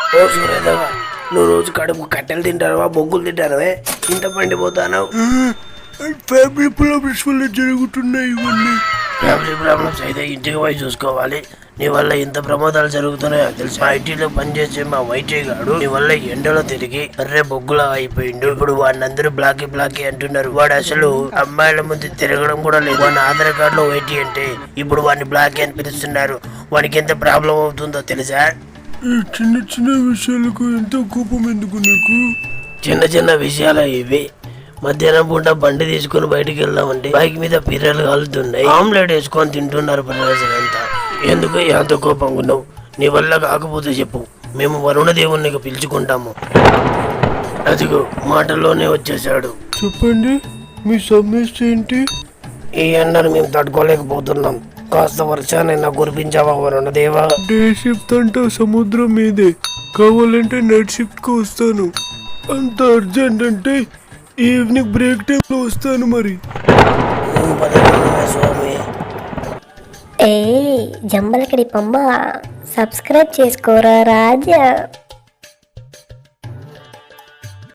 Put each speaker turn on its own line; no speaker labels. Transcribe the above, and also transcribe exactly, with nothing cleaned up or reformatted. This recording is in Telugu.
ఓ సూర్యదేవ, నువ్వు రోజు కడుపు కట్టెలు తింటారవా బొగ్గులు తింటారవే ఇంత పండిపోతాను?
ఫ్యామిలీ ప్రాబ్లమ్స్ వల్ల జరుగుతున్నాయి ఇవన్నీ.
ఫ్యామిలీ ప్రాబ్లమ్స్ అయితే ఇంటికి పోయి చూసుకోవాలి. నీ వల్ల ఇంత ప్రమాదాలు జరుగుతున్నాయో తెలుసు. ఐటీలో పనిచేసే మా వైటీ గాడు నీ వల్ల ఎండలో తిరిగి అర్రే బొగ్గులా అయిపోయిండు. ఇప్పుడు వాడిని అందరూ బ్లాకీ బ్లాకీ అంటున్నారు. వాడు అసలు అమ్మాయిల ముందు తిరగడం కూడా లేదు. వాడిని ఆధార్ కార్డులో వైటీ అంటే ఇప్పుడు వాడిని బ్లాకీ అని పిలుస్తున్నారు. వాడికి ఎంత ప్రాబ్లం అవుతుందో తెలుసా?
ఈ చిన్న చిన్న విషయాలకు ఎంత కోపం ఎందుకు నీకు?
చిన్న చిన్న విషయాలు ఇవి. మధ్యాహ్నం పూట బండి తీసుకుని బయటికి వెళ్దామంటే బైక్ మీద పిర్రలు కాలుతున్నాయి. ఆమ్లెట్ వేసుకొని తింటున్నారు ప్రజలంతా. ఎందుకు ఎంత కోపంగా ఉన్నావు? నీ వల్ల కాకపోతే చెప్పు, మేము వరుణ దేవుణ్ణి పిలుచుకుంటాము. అదిగో మాటల్లోనే వచ్చేసాడు.
చెప్పండి, మీ సమస్య ఏంటి?
ఈ ఎండను మేము తట్టుకోలేకపోతున్నాం. కాస్త వర్షానైనా కురిపించావా వరుణ దేవా?
డే షిఫ్ట్ అంటే సముద్రం మీదే, కావాలంటే నైట్ షిఫ్ట్ కు వస్తాను. అంత అర్జెంట్ అంటే ఈవినింగ్ బ్రేక్ టైంలో వస్తాను. మరి
స్వామి
ఏ జంబలకడి పంబ సబ్స్క్రైబ్ చేసుకోరా రాజా.